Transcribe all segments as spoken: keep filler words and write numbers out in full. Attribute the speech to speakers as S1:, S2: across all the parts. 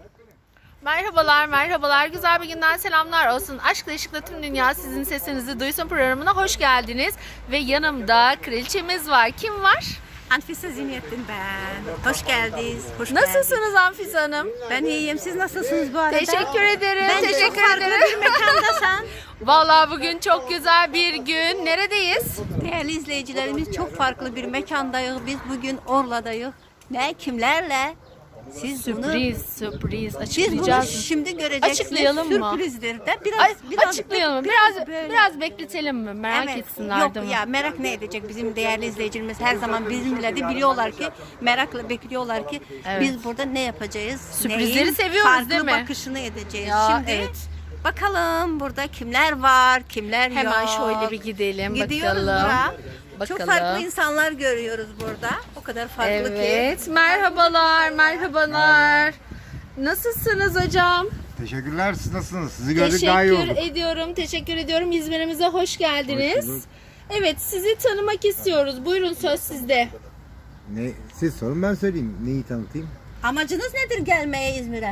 S1: Merhabalar, merhabalar. Güzel bir günden selamlar olsun. Aşkla ışıkla tüm dünya sizin sesinizi duysun programına hoş geldiniz. Ve yanımda kraliçemiz var. Kim var?
S2: Anfisa Zinettin ben. Hoş geldiniz. Hoş
S1: Nasılsınız
S2: geldiniz.
S1: Anfisa Hanım?
S2: Ben iyiyim. Siz nasılsınız bu arada?
S1: Teşekkür ederim.
S2: Bence çok
S1: teşekkür
S2: farklı
S1: ederim.
S2: bir mekandasan.
S1: Vallahi bugün çok güzel bir gün. Neredeyiz?
S2: Değerli izleyicilerimiz, çok farklı bir mekandayız. Biz bugün Orla'dayız. Ne, kimlerle? Siz bunu,
S1: Sürpriz, sürpriz.
S2: siz bunu
S1: Açıklayacağız.
S2: şimdi göreceksiniz.
S1: Açıklayalım mı?
S2: Sürprizdir de biraz,
S1: Ay,
S2: biraz
S1: açıklayalım.
S2: biraz
S1: Biraz
S2: böyle.
S1: biraz bekletelim mi? Merak
S2: Evet.
S1: etsinler
S2: Yok
S1: değil mi?
S2: ya, merak ne edecek? Bizim değerli izleyicilerimiz her zaman bizimle de biliyorlar ki, merakla bekliyorlar ki
S1: Evet.
S2: biz burada ne yapacağız?
S1: Sürprizleri
S2: neyin
S1: seviyoruz,
S2: farklı
S1: değil mi?
S2: bakışını edeceğiz.
S1: Ya,
S2: Şimdi
S1: evet.
S2: bakalım burada kimler var, kimler
S1: Hemen
S2: yok.
S1: şöyle bir gidelim
S2: Gidiyoruz
S1: bakalım.
S2: buraya.
S1: Bakalım.
S2: Çok farklı insanlar görüyoruz burada. O kadar farklı ki.
S1: Evet, merhabalar, merhabalar. Nasılsınız hocam?
S3: Teşekkürler. Siz nasılsınız? Sizi gördük daha iyi
S1: Teşekkür
S3: olduk.
S1: ediyorum, teşekkür ediyorum. İzmir'imize hoş geldiniz.
S3: Hoş bulduk.
S1: Evet, sizi tanımak istiyoruz. Buyurun söz sizde.
S3: Ne, siz sorun ben söyleyeyim. Neyi tanıtayım?
S2: Amacınız nedir gelmeye İzmir'e?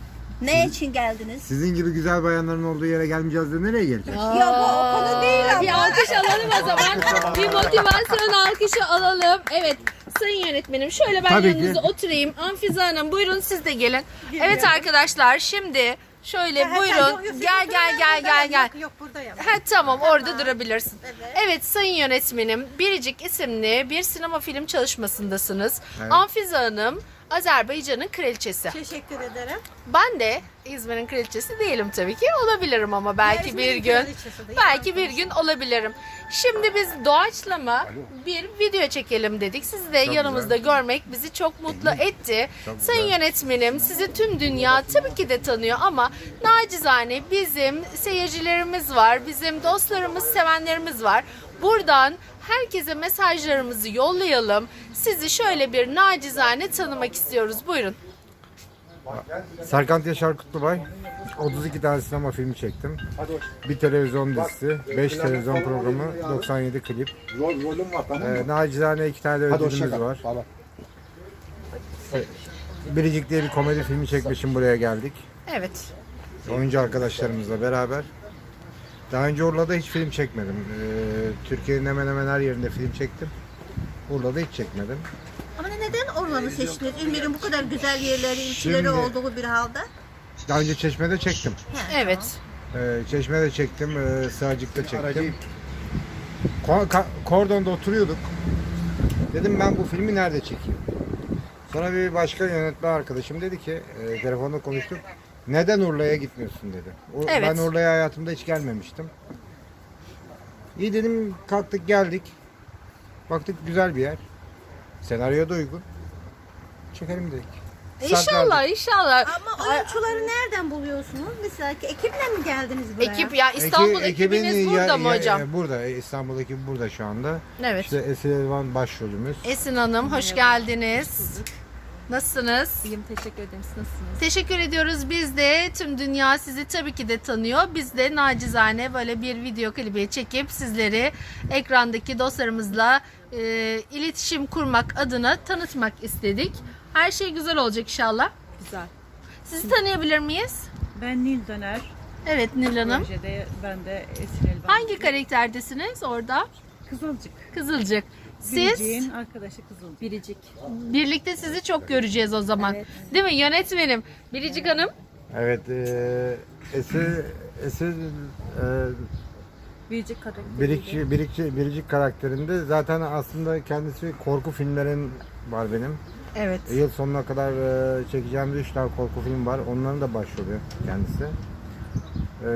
S2: Ne için geldiniz?
S3: Sizin gibi güzel bayanların olduğu yere gelmeyeceğiz de nereye geleceğiz?
S2: Ya bu o konu değil ama.
S1: Bir alkış alalım o zaman. Bir motivasyon alkışı alalım. Evet, sayın yönetmenim şöyle ben
S3: Tabii ki.
S1: yanınıza oturayım. Anfize Hanım buyurun siz de gelin. Evet arkadaşlar şimdi şöyle buyurun. Gel gel gel gel gel.
S2: Yok, yok buradayım.
S1: Ha, tamam orada durabilirsin.
S2: Evet.
S1: Evet sayın yönetmenim Biricik isimli bir sinema film çalışmasındasınız.
S3: Evet.
S1: Anfize Hanım Azerbaycan'ın kraliçesi.
S2: Teşekkür ederim.
S1: Ben de İzmir'in kraliçesi değilim tabii ki. Olabilirim ama belki
S2: İzmir'in
S1: bir gün.
S2: kraliçesi değil,
S1: Belki bir gün olabilirim. Şimdi biz doğaçlama bir video çekelim dedik. Sizi de
S3: Çok
S1: yanımızda görmek bizi çok mutlu etti.
S3: Çok
S1: Sayın
S3: güzel.
S1: yönetmenim sizi tüm dünya tabii ki de tanıyor ama nacizane bizim seyircilerimiz var. Bizim dostlarımız, sevenlerimiz var. Buradan herkese mesajlarımızı yollayalım. Sizi şöyle bir nacizane tanımak istiyoruz. Buyurun.
S3: Serkan Yaşar Kutlubay. otuz iki tane sinema filmi çektim. Bir televizyon dizisi, beş televizyon programı, doksan yedi klip.
S4: Rol, rolüm var tamam mı?
S3: Ee, nacizane iki tane de
S4: Hadi
S3: ödülümüz
S4: hoşça kal.
S3: var.
S4: Falan.
S3: Biricik diye bir komedi filmi çekmişim, buraya geldik.
S1: Evet.
S3: Oyuncu arkadaşlarımızla beraber. Daha önce Urla'da hiç film çekmedim. Ee, Türkiye'nin hemen hemen her yerinde film çektim. Urla'da hiç çekmedim.
S2: Ama neden Orlan'ı seçtiniz? İzmir'in bu kadar güzel yerleri, ilçeleri
S3: Şimdi-
S2: olduğu bir halde.
S3: Daha önce Çeşme'de çektim.
S1: Evet.
S3: Ee, Çeşme'de çektim, e, Sığacık'ta çektim. Ko- ka- Kordon'da oturuyorduk. Dedim ben bu filmi nerede çekeyim? Sonra bir başka yönetmen arkadaşım dedi ki, e, telefonda konuştuk. Neden Urla'ya gitmiyorsun dedi. O-
S1: Evet.
S3: Ben Urla'ya hayatımda hiç gelmemiştim. İyi dedim, kalktık geldik. Baktık güzel bir yer. Senaryo da uygun. Çekelim dedik.
S1: İnşallah, inşallah.
S2: Ama oyuncuları nereden buluyorsunuz? Mesela ki ekiple mi geldiniz buraya?
S1: Ekip ya İstanbul
S3: Eki-
S1: ekibiniz
S3: ekibin
S1: burada
S3: ya-
S1: mı
S3: ya-
S1: hocam?
S3: e, Burada. İstanbul ekibi burada şu anda.
S1: Evet.
S3: İşte Esil Elvan başrolümüz.
S1: Esin Hanım hoş geldiniz. Nasılsınız?
S5: İyiyim, teşekkür ederim. Siz nasılsınız?
S1: Teşekkür ediyoruz. Biz de tüm dünya sizi tabii ki de tanıyor. Biz de nacizane böyle bir video klibi çekip sizleri ekrandaki dostlarımızla e, iletişim kurmak adına tanıtmak istedik. Her şey güzel olacak inşallah.
S5: Güzel.
S1: Sizi tanıyabilir miyiz?
S6: Ben Nil Döner.
S1: Evet Nil Hanım.
S6: Projede ben de Esin Elvan.
S1: Hangi karakterdesiniz orada?
S6: Kızılcık.
S1: Kızılcık. Siz
S6: Biricik'in arkadaşı Kızılcık.
S5: Biricik.
S1: birlikte sizi çok göreceğiz o zaman.
S6: Evet.
S1: Değil mi yönetmenim? Biricik Hanım.
S3: Evet. E, Esil, Esil e,
S5: Biricik karakteri.
S3: Biricik, Biricik, Biricik karakterinde zaten aslında kendisi korku filmlerin var benim.
S1: Evet.
S3: Yıl sonuna kadar e, çekeceğimiz üç tane korku film var. Onların da başrolü kendisi. E,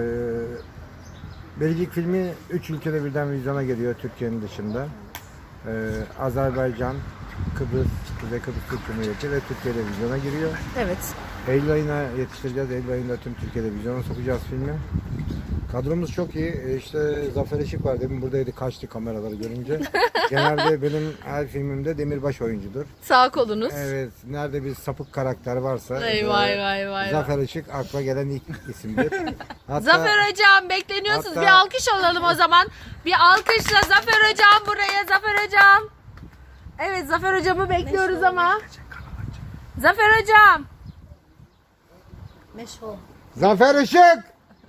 S3: Biricik filmi üç ülkede birden vizyona geliyor Türkiye'nin dışında. E, Azerbaycan, Kıbrıs, Kuzey Kıbrıs Türk Cumhuriyeti ve Türkiye'de vizyona giriyor.
S1: Evet.
S3: Eylül ayına yetiştireceğiz. Eylül ayında tüm Türkiye'de vizyona sokacağız filmi. Kadromuz çok iyi. E, İşte Zafer Işık var. Demin buradaydı, kaçtı kameraları görünce. Genelde benim her filmimde demirbaş oyuncudur.
S1: Sağ kolunuz.
S3: Evet. Nerede bir sapık karakter varsa
S1: Vay
S3: e,
S1: vay vay vay.
S3: Zafer Işık akla gelen ilk isimdir. Hatta,
S1: Zafer Hocam bekleniyorsunuz.
S3: hatta-
S1: Bir alkış alalım o zaman. Bir alkışla Zafer Hocam buraya. Zafer Hocam. Evet Zafer Hocam'ı bekliyoruz ama. Zafer Hocam.
S2: Meşhur.
S3: Zafer Işık!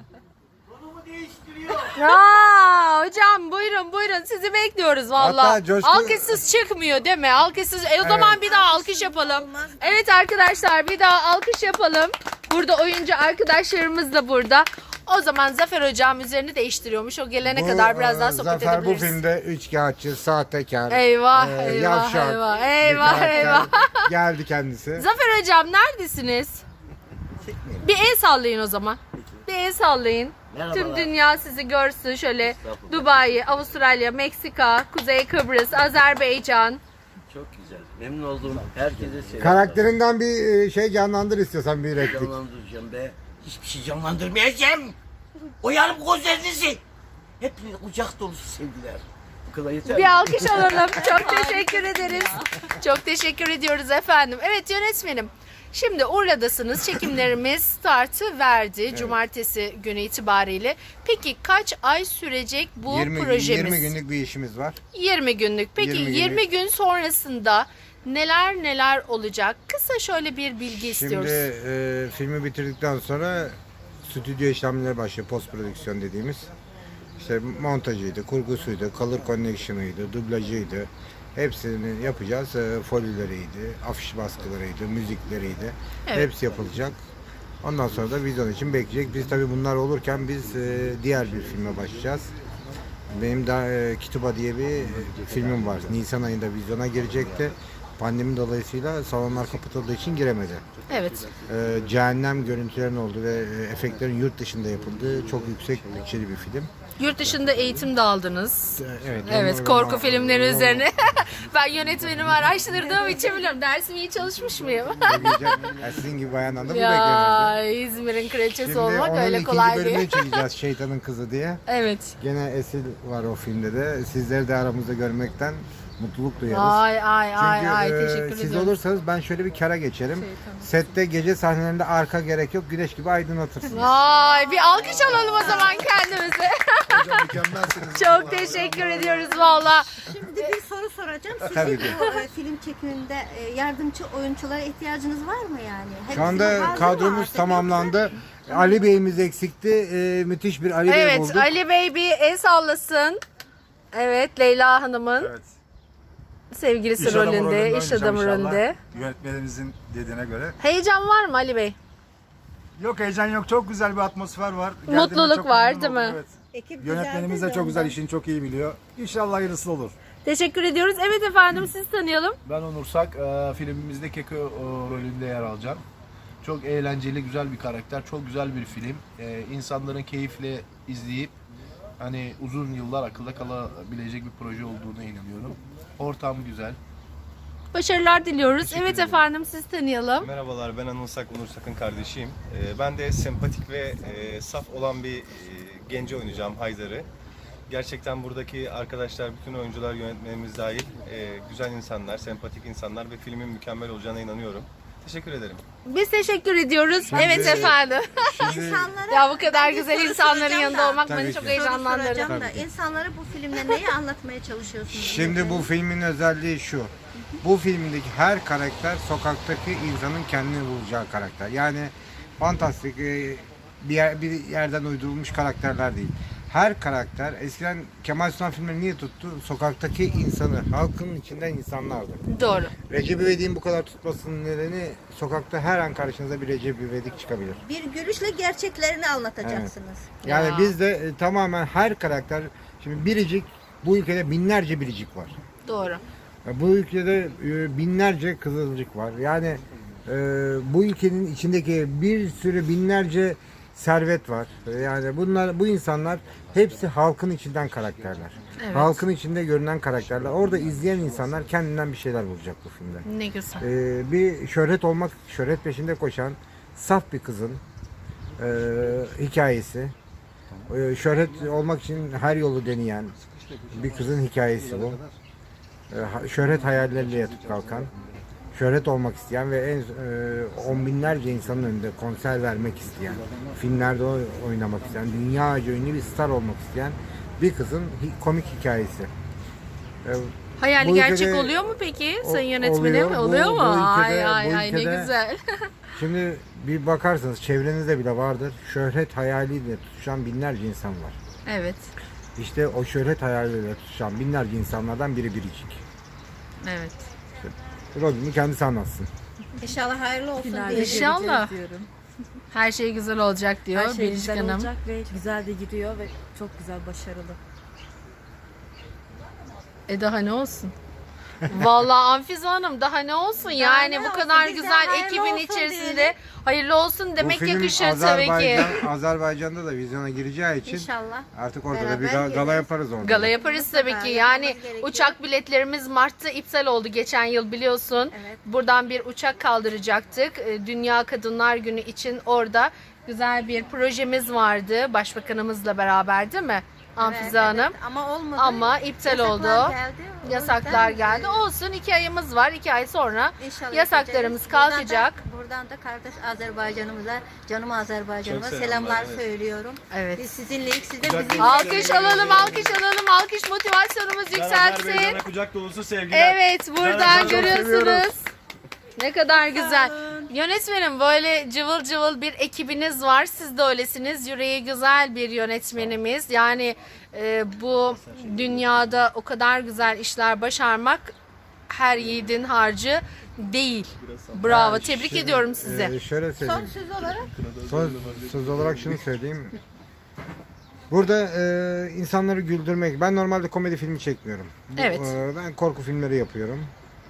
S1: Aa, hocam buyurun buyurun sizi bekliyoruz valla.
S3: Hatta coşku-
S1: Alkışsız çıkmıyor değil mi? Alkışsız. E, o zaman bir daha alkış yapalım. Evet arkadaşlar bir daha alkış yapalım. Burada oyuncu arkadaşlarımız da burada. O zaman Zafer hocam üzerini değiştiriyormuş. O gelene
S3: Bu,
S1: kadar biraz daha
S3: e,
S1: sohbet
S3: Zafer bu
S1: edebiliriz.
S3: filmde üçkağıtçı, sahtekar,
S1: Eyvah,
S3: e,
S1: eyvah,
S3: yavşak
S1: eyvah,
S3: bir
S1: eyvah,
S3: karakter.
S1: eyvah.
S3: Geldi kendisi.
S1: Zafer hocam neredesiniz? Bir el sallayın o zaman. Bir el sallayın. Tüm dünya sizi görsün şöyle. Dubai, Avustralya, Meksika, Kuzey Kıbrıs, Azerbaycan.
S4: Çok güzel. Memnun oldum. Herkese selam.
S3: Karakterinden bir e, şey canlandır istiyorsan bir replik.
S4: Canlandıracağım be. Hiçbir şey canlandırmayacağım. Uyarım gözlerinizi. Hepinize kucak dolusu sevgiler. Bu kadar yeter mi?
S1: Bir alkış alalım. Çok teşekkür ederiz. Çok teşekkür ediyoruz efendim. Evet yönetmenim. Şimdi Urla'dasınız. Çekimlerimiz startı verdi cumartesi günü itibariyle. Peki kaç ay sürecek bu
S3: yirmi,
S1: projemiz?
S3: yirmi günlük bir işimiz var.
S1: yirmi günlük. Peki
S3: yirmi
S1: yirmi,
S3: günlük.
S1: gün sonrasında neler neler olacak? Kısa şöyle bir bilgi istiyoruz.
S3: Şimdi e, filmi bitirdikten sonra stüdyo işlemleri başlıyor. Post prodüksiyon dediğimiz. İşte montajıydı, kurgusuydu, color connection'ıydı, dublajıydı. Hepsini yapacağız. E, folileriydi, afiş baskılarıydı, müzikleriydi.
S1: Evet.
S3: Hepsi yapılacak. Ondan sonra da vizyon için bekleyecek. Biz tabii bunlar olurken biz e, diğer bir filme başlayacağız. Benim de e, Kituba diye bir e, filmim var. Nisan ayında vizyona girecekti. Pandemi dolayısıyla salonlar kapatıldığı için giremedi.
S1: Evet.
S3: E, cehennem görüntülerin olduğu ve e, efektlerin yurt dışında yapıldığı çok yüksek bütçeli bir film.
S1: Yurt dışında eğitim de aldınız.
S3: E, Evet.
S1: Evet,
S3: onu-
S1: korku
S3: onu-
S1: filmleri
S3: onu-
S1: üzerine. Ben yönetmenimi araştırdığım için biliyorum. Dersimi iyi çalışmış mıyım?
S3: Söyleyeceğim. Ya sizin gibi bayandan da bu beklenirdi.
S1: Ya İzmir'in kraliçesi
S3: Şimdi
S1: olmak
S3: onun
S1: öyle
S3: ikinci
S1: kolay
S3: bölümünü
S1: değil.
S3: çekeceğiz Şeytanın Kızı diye.
S1: Evet.
S3: Gene Esil var o filmde de. Sizleri de aramızda görmekten mutluluk duyarız.
S1: Ay ay
S3: Çünkü
S1: ay ay
S3: e,
S1: teşekkür
S3: siz
S1: ediyorum.
S3: olursanız ben şöyle bir kara geçerim. Sette gece sahnelerinde arka gerek yok. Güneş gibi aydınlatırsınız.
S1: Vay bir alkış alalım o zaman kendimize.
S3: Hocam mükemmelsiniz.
S1: Çok teşekkür ediyoruz valla.
S2: Şimdi bir soru soracağım. Sizin
S3: Tabii ki.
S2: bu e, film çekiminde e, yardımcı oyunculara ihtiyacınız var mı yani?
S3: Şu
S2: Hepsi
S3: anda
S2: hazır mı
S3: kadromuz
S2: artık
S3: tamamlandı. Ali Bey'imiz eksikti. E, müthiş bir Ali Bey
S1: Evet
S3: bulduk.
S1: Ali Bey bir el sallasın. Evet Leyla Hanım'ın
S5: Evet.
S1: sevgilisi
S5: İş adamı
S1: rolünde,
S5: rolünde
S1: iş
S5: oynayacağım
S1: adamı
S5: inşallah.
S1: rolünde.
S5: Yönetmenimizin dediğine göre.
S1: Heyecan var mı Ali Bey?
S5: Yok heyecan yok. Çok güzel bir atmosfer var. Geldiğime
S1: Mutluluk
S5: çok
S1: var,
S5: memnun
S1: değil mi?
S5: oldum, Evet.
S2: Ekip
S5: Yönetmenimiz
S2: güzeldi
S5: de çok güzel
S2: ondan.
S5: işini çok iyi biliyor. İnşallah hayırlısı olur.
S1: Teşekkür ediyoruz. Evet efendim siz tanıyalım.
S7: Ben Onur Sak, e, filmimizde Keko e, rolünde yer alacağım. Çok eğlenceli, güzel bir karakter, çok güzel bir film. E, insanların keyifle izleyip hani uzun yıllar akılda kalabilecek bir proje olduğuna inanıyorum. Ortam güzel.
S1: Başarılar diliyoruz.
S7: Teşekkür
S1: Evet
S7: ederim.
S1: efendim siz tanıyalım.
S8: Merhabalar, ben Anıl Sak, Onur Sak'ın kardeşiyim. Ee, Ben de sempatik ve e, saf olan bir e, genci oynayacağım, Haydar'ı. Gerçekten buradaki arkadaşlar, bütün oyuncular, yönetmenimiz dahil e, güzel insanlar, sempatik insanlar ve filmin mükemmel olacağına inanıyorum. Teşekkür ederim.
S1: Biz teşekkür ediyoruz. evet efendim.
S3: Şimdi
S2: İnsanlara
S1: Ya bu kadar
S2: ben bir
S1: güzel
S2: soru
S1: insanların
S2: soracağım
S1: yanında
S2: da.
S1: olmak
S3: Tabii
S1: beni
S3: ki.
S1: çok
S3: Soru
S2: Soru
S1: heyecanlandırdı.
S2: soracağım da
S3: Tabii ki.
S2: insanlara bu filmle neyi anlatmaya çalışıyorsunuz?
S3: Şimdi bu filmin özelliği şu. Bu filmdeki her karakter sokaktaki insanın kendini bulacağı karakter. Yani fantastik e, bir, yer, bir yerden uydurulmuş karakterler değil. Her karakter eskiden Kemal Sunal filmleri niye tuttu? Sokaktaki insanı, halkın içinden insanlardı.
S1: Doğru.
S3: Recep İvedik'in bu kadar tutmasının nedeni sokakta her an karşınıza bir Recep İvedik çıkabilir.
S2: Bir gülüşle gerçeklerini anlatacaksınız.
S3: Yani
S1: Ya.
S3: bizde e, tamamen her karakter, şimdi biricik, bu ülkede binlerce biricik var.
S1: Doğru.
S3: Ya bu ülkede e, binlerce kızılcık var. Yani e, bu ülkenin içindeki bir sürü binlerce servet var. Yani bunlar, bu insanlar hepsi halkın içinden karakterler.
S1: Evet.
S3: Halkın içinde görünen karakterler. Orada izleyen insanlar kendinden bir şeyler bulacak bu filmde.
S1: Ne güzel.
S3: E, bir şöhret olmak, şöhret peşinde koşan saf bir kızın e, hikayesi. E, şöhret olmak için her yolu deneyen bir kızın hikayesi bu. E, ha- şöhret hayalleriyle yatıp kalkan, şöhret olmak isteyen ve en e, on binlerce insanın önünde konser vermek isteyen, filmlerde oy- oynamak isteyen, dünyaca ünlü bir star olmak isteyen bir kızın hi- komik hikayesi. E,
S1: Hayali
S3: Bu
S1: gerçek
S3: ülkede-
S1: oluyor mu peki
S3: O-
S1: sayın yönetmenim?
S3: oluyor. Bu-
S1: Oluyor mu?
S3: bu ülkede-
S1: ay ay
S3: bu
S1: ay ne
S3: ülkede-
S1: güzel.
S3: Şimdi bir bakarsınız çevrenizde bile vardır. Şöhret hayaliyle tutuşan binlerce insan var.
S1: Evet.
S3: İşte o şöhret hayaliyle tutuşan binlerce insanlardan biri Biricik.
S1: Evet.
S3: Rolünü kendisi anlatsın.
S2: İnşallah hayırlı olsun
S6: Finalde
S2: diye.
S1: İnşallah.
S6: göreceğiz diyorum.
S1: Her şey güzel olacak diyor
S6: Her şey
S1: Biricik
S6: güzel
S1: Hanım.
S6: olacak ve güzel de gidiyor ve çok güzel, başarılı.
S1: E daha ne olsun? Vallahi Anfize Hanım daha ne olsun yani
S2: ne
S1: bu
S2: olsun?
S1: kadar
S2: Bize
S1: güzel
S2: hayırlı
S1: ekibin
S2: olsun
S1: içerisinde
S2: diyelim.
S1: hayırlı olsun demek
S3: Bu film
S1: yakışır tabii ki.
S3: Azerbaycan, Azerbaycan'da da vizyona gireceği için
S2: İnşallah.
S3: artık orada da
S2: Beraber
S3: bir ga- gala
S2: geliriz.
S3: yaparız orada.
S1: Gala yaparız tabii ki.
S2: Mutlaka
S1: Yani
S2: yapmamız gerekiyor.
S1: uçak biletlerimiz Mart'ta iptal oldu geçen yıl biliyorsun.
S2: Evet.
S1: Buradan bir uçak kaldıracaktık. Ee, Dünya Kadınlar Günü için orada güzel bir projemiz vardı. Başbakanımızla beraber değil mi? Anfize
S2: Evet,
S1: Hanım.
S2: evet. Ama olmadı.
S1: Ama iptal
S2: Yasaklar
S1: oldu.
S2: geldi. O
S1: Yasaklar
S2: yüzden,
S1: geldi. Olsun iki ayımız var. iki ay sonra
S2: İnşallah
S1: yasaklarımız
S2: yapacağız.
S1: kalkacak.
S2: Buradan da, buradan da kardeş Azerbaycanımıza, canım Azerbaycanıma
S8: Çok
S2: selamlar,
S8: selamlar, evet.
S2: söylüyorum.
S1: Evet.
S2: Biz sizinleyiz, siz de
S8: Kucak
S2: bizimle.
S8: dolusu
S1: Alkış alalım, alkış alalım, alkış motivasyonumuz yükselsin.
S8: Azerbaycan'a kucak dolusu sevgiler.
S1: Evet, buradan
S8: Azerbaycan'ı çok
S1: görüyorsunuz.
S8: seviyoruz.
S1: Ne kadar güzel. Yönetmenim böyle cıvıl cıvıl bir ekibiniz var. Siz de öylesiniz. Yüreği güzel bir yönetmenimiz. Yani e, bu dünyada o kadar güzel işler başarmak her yiğidin harcı değil. Bravo.
S3: Yani
S1: Tebrik
S3: şimdi,
S1: ediyorum sizi.
S3: e, şöyle
S2: Son
S3: söyleyeyim.
S2: söz olarak
S3: Son söz olarak şunu söyleyeyim. Burada e, insanları güldürmek. Ben normalde komedi filmi çekmiyorum. Bu,
S1: Evet.
S3: e, ben korku filmleri yapıyorum.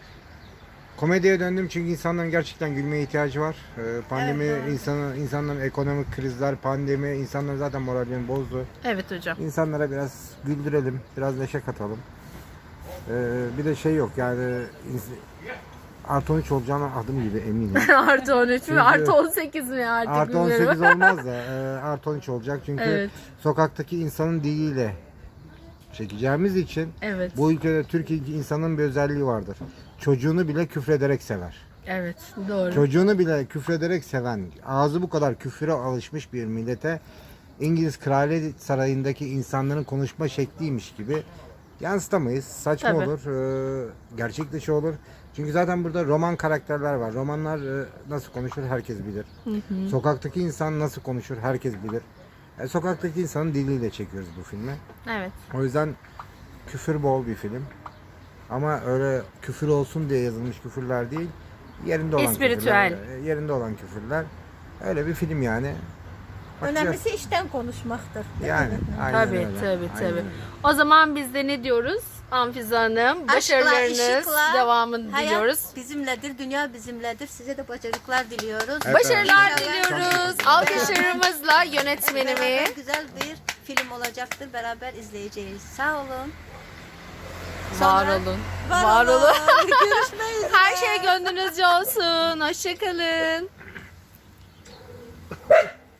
S3: Komediye döndüm çünkü insanların gerçekten gülmeye ihtiyacı var. E, pandemi,
S2: Evet, doğru.
S3: insanı, insanların ekonomik krizler, pandemi, insanların zaten moralini bozdu.
S1: Evet hocam.
S3: İnsanlara biraz güldürelim, biraz neşe katalım. E, bir de şey yok yani ins- artı on üç olacağına adım gibi eminim.
S1: Artı on üç mü?
S3: Çünkü-
S1: Artı on sekiz mi artık
S3: Artı on
S1: bilmiyorum.
S3: sekiz olmaz da e, artı on üç olacak çünkü
S1: Evet.
S3: sokaktaki insanın diliyle çekeceğimiz için
S1: Evet.
S3: bu ülkede Türkiye insanın bir özelliği vardır. Çocuğunu bile küfrederek sever.
S1: Evet. Doğru.
S3: Çocuğunu bile küfrederek seven, ağzı bu kadar küfüre alışmış bir millete İngiliz Kraliyet Sarayı'ndaki insanların konuşma şekliymiş gibi yansıtamayız. Saçma
S1: Tabii.
S3: olur, e, gerçek dışı olur. Çünkü zaten burada roman karakterler var. Romanlar e, nasıl konuşur herkes bilir. Sokaktaki insan nasıl konuşur herkes bilir. E, sokaktaki insanın diliyle çekiyoruz bu filmi.
S1: Evet.
S3: O yüzden küfür bol bir film. Ama öyle küfür olsun diye yazılmış küfürler değil. Yerinde olan
S1: Espiritüel.
S3: küfürler. e, Yerinde olan küfürler. Öyle bir film yani. Bakacağız.
S2: önemlisi işten konuşmaktır.
S3: Yani aynen
S1: Tabii
S3: öyle.
S1: tabii
S3: Aynen
S1: tabii.
S3: öyle.
S1: O zaman biz de ne diyoruz? Anfize Hanım, başarılarınız
S2: ışıkla,
S1: devamını
S2: hayat
S1: diliyoruz.
S2: bizimledir, dünya bizimledir. Size de başarılar diliyoruz.
S3: Evet.
S1: Başarılar
S2: İnşallah
S1: diliyoruz.
S2: çok-
S1: Alkışlarımızla
S2: Hep
S1: yönetmenimi.
S2: beraber güzel bir film olacaktır. Beraber izleyeceğiz. Sağ olun.
S1: Var
S2: Sonra-
S1: olun.
S2: Var,
S1: Var olun.
S2: olun. Görüşmek üzere.
S1: Her şey gönlünüzce olsun. Hoşçakalın.